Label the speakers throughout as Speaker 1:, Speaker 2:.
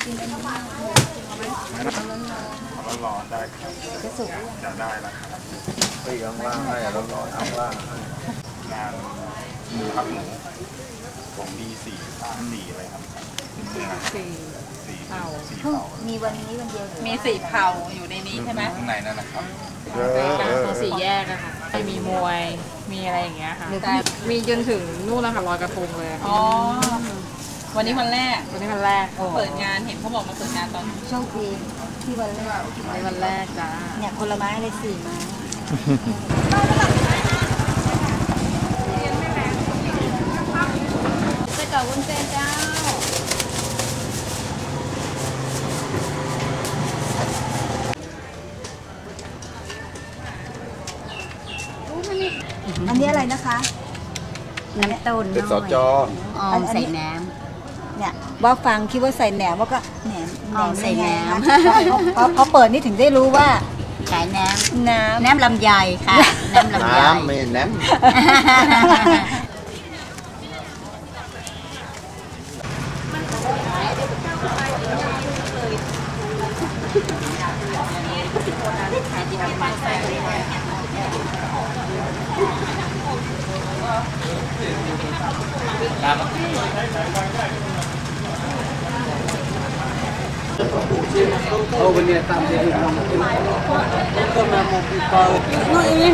Speaker 1: ร้อนได้ครับจะสุกจะได้แล้วครับปีกว่างๆให้ร้อนๆว่างๆงานหมูครับหมูของดี4อะไรครับสี่เผา
Speaker 2: มีวันนี้วันเดียว
Speaker 3: มี4 เผาอยู่ในนี้ใช่ไหม
Speaker 1: ข้างในนั่นนะครับ
Speaker 4: ตรง4 แยกอะค่ะมีมวยมีอะไรอย่างเงี้ยค่ะแต่มีจนถึงนู่นนะคะลอยกระทงเลย
Speaker 3: อ๋อวันนี้วันแรก
Speaker 4: วันนี้วันแรก
Speaker 3: เปิดงานเห็นเขาบอกมาเปิดงานตอน
Speaker 2: โชคดีที่วันแรก
Speaker 4: วันแรกจ้า
Speaker 2: เนี่ยคนละไม้เลย4 ไม้ไส้กรอกวุ้นเส้นเจ้าอันนี้อะไรนะคะน้ำต้น
Speaker 1: เป็นสจ
Speaker 2: ใส่แหนมเนี่ยว่าฟังคิดว่าใส่แหนมว่าก็แหนม
Speaker 3: ใส่แหนม
Speaker 2: พอเปิดนี่ถึงได้รู้ว่า
Speaker 3: ขายแหนมลำไยค่ะแหนมลำไย
Speaker 1: ไม่แหนม
Speaker 5: Oh benar tak jadi mungkin. Kita mau buka. Ini.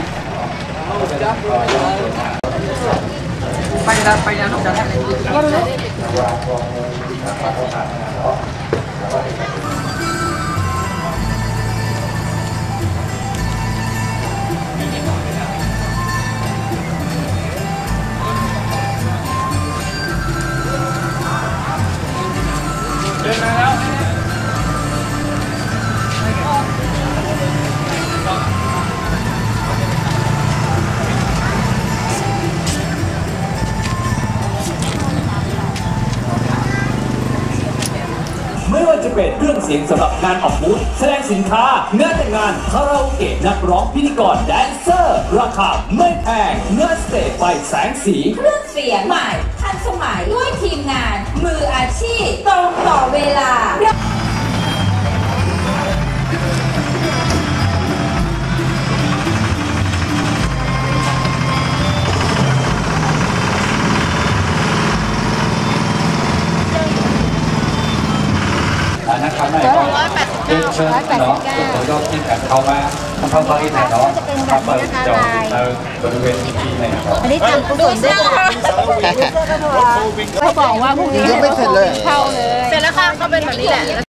Speaker 5: Panjang jangan lagi. Jangan
Speaker 6: ไม่ว่าจะเป็นเครื่องเสียงสำหรับงานออกบูธแสดงสินค้างานแต่งงานคาราโอเกะนักร้องพิธีกรแดนเซอร์ราคาไม่แพงเนื้อสเตจไฟแสงสี
Speaker 7: เครื่องเสียงใหม่ทันสมัยด้วยทีมงานมืออาชีพตรงต่อเวลา
Speaker 5: นะครับไม่ก็เชิญน้องตัวย่อที่แผ่นเข้ามาทำเข้าไปแผ่นน้องทำไปจอดบริเวณที่ไหนครับ
Speaker 2: อันนี้ทำกุศลด้วย
Speaker 4: เขาบอกว่าพรุ่งนี้
Speaker 1: ยังไม่เสร็จเลย
Speaker 4: เข้าเลยเสร็จแล้วค่ะเขาเป็นแบบนี้แหละ